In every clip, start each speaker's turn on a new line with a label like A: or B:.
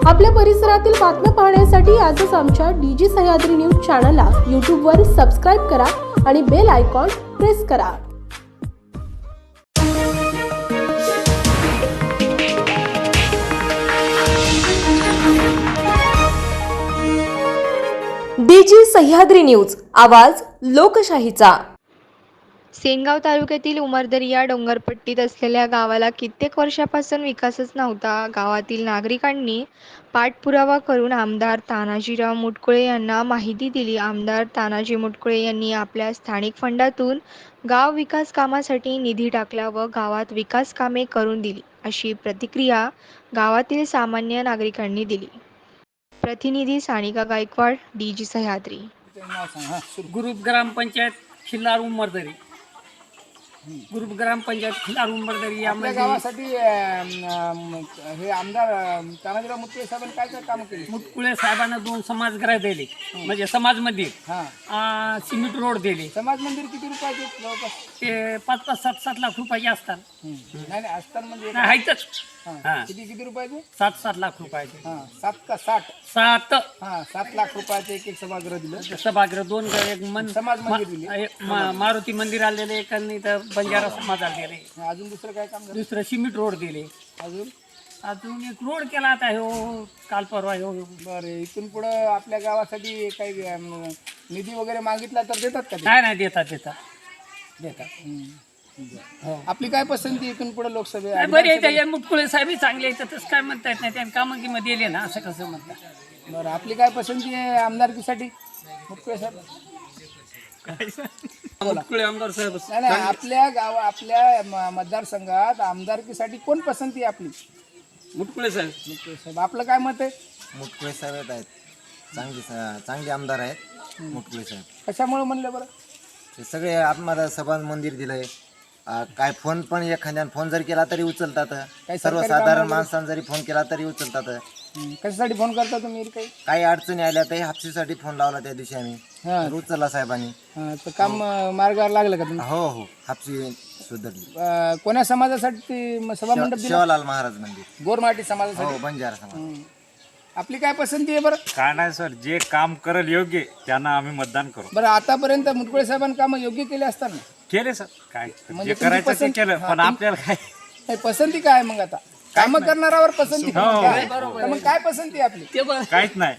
A: आपल्या परिसरातील बातम्या पाहण्यासाठी आजच आमच्या डीजी सह्याद्री न्यूज चॅनलला यूट्यूबवर सबस्क्राईब करा आणि बेल आयकॉन प्रेस करा। डीजी सह्याद्री न्यूज, आवाज लोकशाहीचा।
B: सेनगाव तालुक्यातील उमरदरी या डोंगरपट्टीत असलेल्या गावाला कित्येक वर्षापासून विकासच नव्हता। गावातील नागरिकांनी पाठपुरावा करून आमदार तानाजीराव मुटकुळे यांना माहिती दिली। आमदार तानाजी मुटकुळे यांनी आपल्या स्थानिक फंडातून गाव विकास कामासाठी निधी टाकला व गावात विकास कामे करून दिली, अशी प्रतिक्रिया गावातील सामान्य नागरिकांनी दिली। प्रतिनिधी सानिका गायकवाड, डीजी सह्याद्री।
C: ग्रुप ग्रामपंचायत खिल्लार उमरदरी, ग्रुप ग्रामपंचायत खिल्लार उमरदरी
D: आपल्या
C: यामध्ये
D: गावासाठी हे आमदार तानाजीराव मुटकुळे साहेबांनी काय काय काम केले?
C: मुटकुळे साहेबांना 2 समाजगृह दिले, म्हणजे समाज मंदिर,
D: हा,
C: सिमेंट रोड दिले।
D: समाज मंदिर किती रुपयाचे जवळपास?
C: ते 5-5, 7-7 लाख रुपयाचे असतात।
D: नाही असतात म्हणजे
C: नाही, आहेतच।
D: हा, किती किती रुपयाचे?
C: 7-7 लाख रुपयाचे।
D: हा, 7 का 60?
C: 7
D: हा, 7 लाख रुपयाचे एक सभागृह दिलं।
C: सभागृह 2, एक
D: समाज मंदिर दिले।
C: मारुती मंदिर आलेले, एक आणि इथं बंजारा समाज आलेले।
D: अजून दुसरं काय काम झालं?
C: दुसरं सिमेंट रोड दिले। अजून एक रोड केला आता हो काल परवा हो।
D: बरं, इथून पुढं आपल्या गावासाठी काही निधी वगैरे मागितला तर देतात का ते?
C: नाही देतात। हो,
D: आपली काय पसंती इथून पुढे लोकसभे?
C: बरे आहे, मुटकुळे साहेब चांगले आहेत, तसं काय म्हणता येत नाही, त्यांनी कामांमध्ये दिले ना, असं कसं म्हणतात।
D: बरं, आपली काय पसंती आहे आमदारकीसाठी मुटकुळे साहेब?
C: मुटकुळे आमदार साहेब
D: नाही, आपल्या मतदारसंघात आमदारकीसाठी कोण पसंती आहे आपली?
C: मुटकुळे साहेब।
D: मुटकुळे साहेब, आपलं काय मत आहे?
E: मुटकुळे साहेब आहेत, चांगले आमदार आहेत मुटकुळे साहेब।
D: कशामुळे म्हणलं बरं?
E: ते सगळे आत्मदा सभा मंदिर दिलंय, काय फोन पण एखाद्याने फोन जरी केला तरी उचलतात, सर्वसाधारण माणसाने जरी फोन केला तरी उचलतात।
D: कशासाठी फोन करता तुम्ही?
E: काही अडचणी आल्या तर हापसीसाठी फोन लावला त्या दिवशी आम्ही, तर उचलला साहेबांनी।
D: तर काम मार्गावर लागलं का तुम्ही?
E: हो, हापसी सुधारली।
D: कोण्या समाजासाठी सभा मंडप दिला?
E: शिवालाल महाराज मंदिर,
D: गोरमाटी समाजासाठी।
E: हो, बंजारा समाज।
D: आपली काय पसंती आहे बरं?
F: काय नाही सर, जे काम करेल योग्य त्यांना आम्ही मतदान करू।
D: बरं, आतापर्यंत मुटकुळे साहेबांनी काम योग्य केले असताना
F: केले सर, काय
D: म्हणजे
F: जे करायचं ते
D: पसंत-
F: केलं, पण आपल्याला काय
D: नाही, पसंती काय मग? आता काम करणाऱ्यावर पसंती काय? तर मग काय पसंती आहे आपली?
F: काहीच नाही।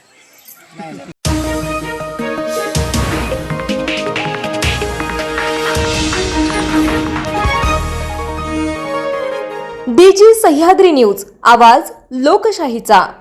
A: डीजी सह्याद्री न्यूज, आवाज लोकशाहीचा।